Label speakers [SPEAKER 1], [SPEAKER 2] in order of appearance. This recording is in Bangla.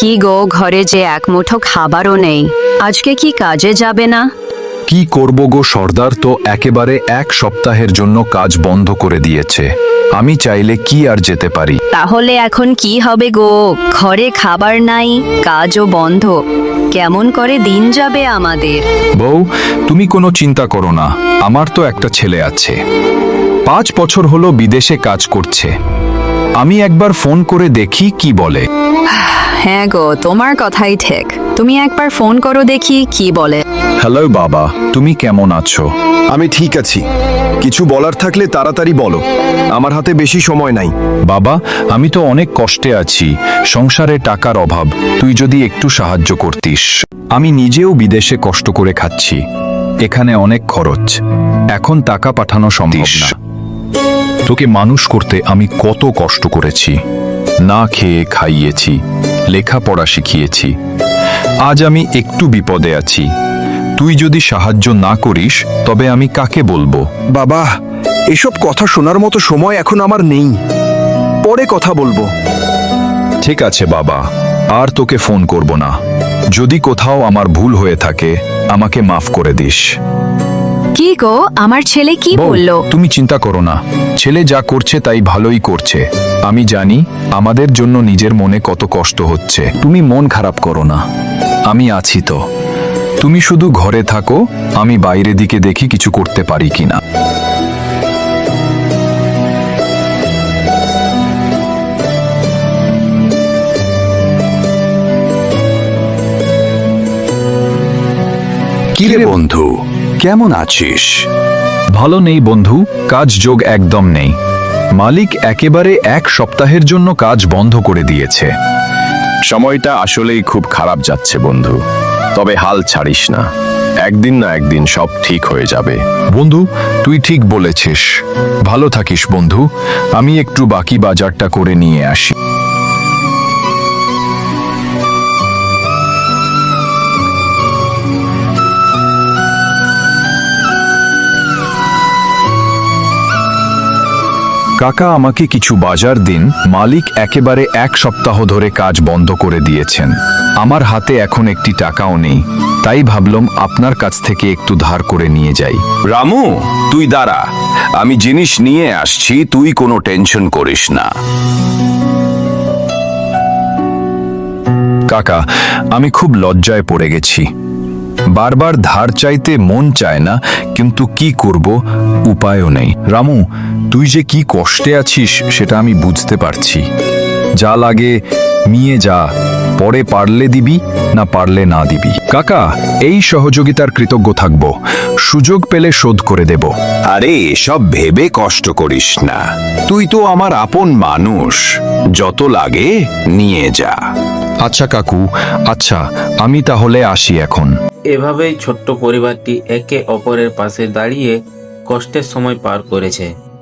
[SPEAKER 1] কি গো, ঘরে যে এক মুঠো খাবারও নেই। আজকে কি কাজে যাবে না?
[SPEAKER 2] কি করব গো, সর্দার তো একেবারে এক সপ্তাহের জন্য কাজ বন্ধ করে দিয়েছে। আমি চাইলে কি আর যেতে পারি?
[SPEAKER 1] তাহলে এখন কি হবে গো? ঘরে খাবার নাই, কাজও বন্ধ, কেমন করে দিন যাবে আমাদের?
[SPEAKER 2] বউ, তুমি কোনো চিন্তা করো না, আমার তো একটা ছেলে আছে, 5 বছর হলো বিদেশে কাজ করছে। আমি একবার ফোন করে দেখি কি বলে।
[SPEAKER 1] হ্যাঁ গো, তোমার কথাই ঠিক, তুমি একবার ফোন করো দেখি কি বলে।
[SPEAKER 2] হ্যালো বাবা, তুমি কেমন আছো?
[SPEAKER 3] আমি ঠিক আছি। কিছু বলার থাকলে তাড়াতাড়ি বলো, আমার হাতে বেশি সময় নাই।
[SPEAKER 2] বাবা, আমি তো অনেক কষ্টে আছি, সংসারে টাকার অভাব, তুই যদি একটু সাহায্য করতিস। আমি নিজেও বিদেশে কষ্ট করে খাচ্ছি, এখানে অনেক খরচ, এখন টাকা পাঠানো সম্ভব না। তোকে মানুষ করতে আমি কত কষ্ট করেছি, না খেয়ে খাইয়েছি, লেখাপড়া শিখিয়েছি, আজ আমি একটু বিপদে আছি। তুই যদি সাহায্য না করিস তবে আমি কাকে বলবো?
[SPEAKER 3] বাবা, এসব কথা শোনার মতো সময় এখন আমার নেই, পরে কথা বলবো।
[SPEAKER 2] ঠিক আছে বাবা, আর তোকে ফোন করব না। যদি কোথাও আমার ভুল হয়ে থাকে আমাকে মাফ করে দিস।
[SPEAKER 1] কি গো, আমার ছেলে কি
[SPEAKER 2] বউ,
[SPEAKER 1] বললো?
[SPEAKER 2] তুমি চিন্তা করো না, ছেলে যা করছে তাই ভালোই করছে। আমি জানি আমাদের জন্য নিজের মনে কত কষ্ট হচ্ছে। তুমি মন খারাপ করো না, আমি আছি তো। তুমি শুধু ঘরে থাকো, আমি বাইরে দিকে দেখি কিছু করতে পারি কিনা।
[SPEAKER 3] কিরে বন্ধু, কেমন আছিস?
[SPEAKER 2] ভালো নেই বন্ধু, কাজ যোগ একদম নেই। মালিক একেবারে 1 সপ্তাহের জন্য কাজ বন্ধ করে দিয়েছে।
[SPEAKER 4] সময়টা আসলেই খুব খারাপ যাচ্ছে বন্ধু, তবে হাল ছাড়িস না, একদিন না একদিন সব ঠিক হয়ে যাবে।
[SPEAKER 2] বন্ধু, তুই ঠিক বলেছিস। ভালো থাকিস বন্ধু, আমি একটু বাকি বাজারটা করে নিয়ে আসি। কাকা, আমাকে কিছু বাজার দিন। মালিক একেবারে 1 সপ্তাহ ধরে কাজ বন্ধ করে দিয়েছেন। আমার হাতে এখন একটি টাকাও নেই, তাই ভাবলাম আপনার কাছ থেকে একটু ধার করে নিয়ে যাই।
[SPEAKER 5] রামু, তুই দাঁড়া, আমি জিনিস নিয়ে আসছি, তুই কোনো টেনশন করিস না।
[SPEAKER 2] কাকা, আমি খুব লজ্জায় পড়ে গেছি। বারবার ধার চাইতে মন চায় না, কিন্তু কি করব, উপায়ও নেই। রামু, তুই যে কি কষ্টে আছিস সেটা আমি বুঝতে পারছি। যা লাগে নিয়ে যা, পরে পারলে দিবি, না পারলে না দিবি। কাকা, এই সহযোগিতার কৃতজ্ঞ থাকব, সুযোগ পেলে শোধ করে দেব।
[SPEAKER 5] আরে এসব ভেবে কষ্ট করিস না, তুই তো আমার আপন মানুষ, যত লাগে নিয়ে যা।
[SPEAKER 2] আচ্ছা কাকু, আচ্ছা, আমি তাহলে আসি এখন।
[SPEAKER 6] এভাবেই ছোট্ট পরিবারটি একে অপরের পাশে দাঁড়িয়ে কষ্টের সময় পার করেছে।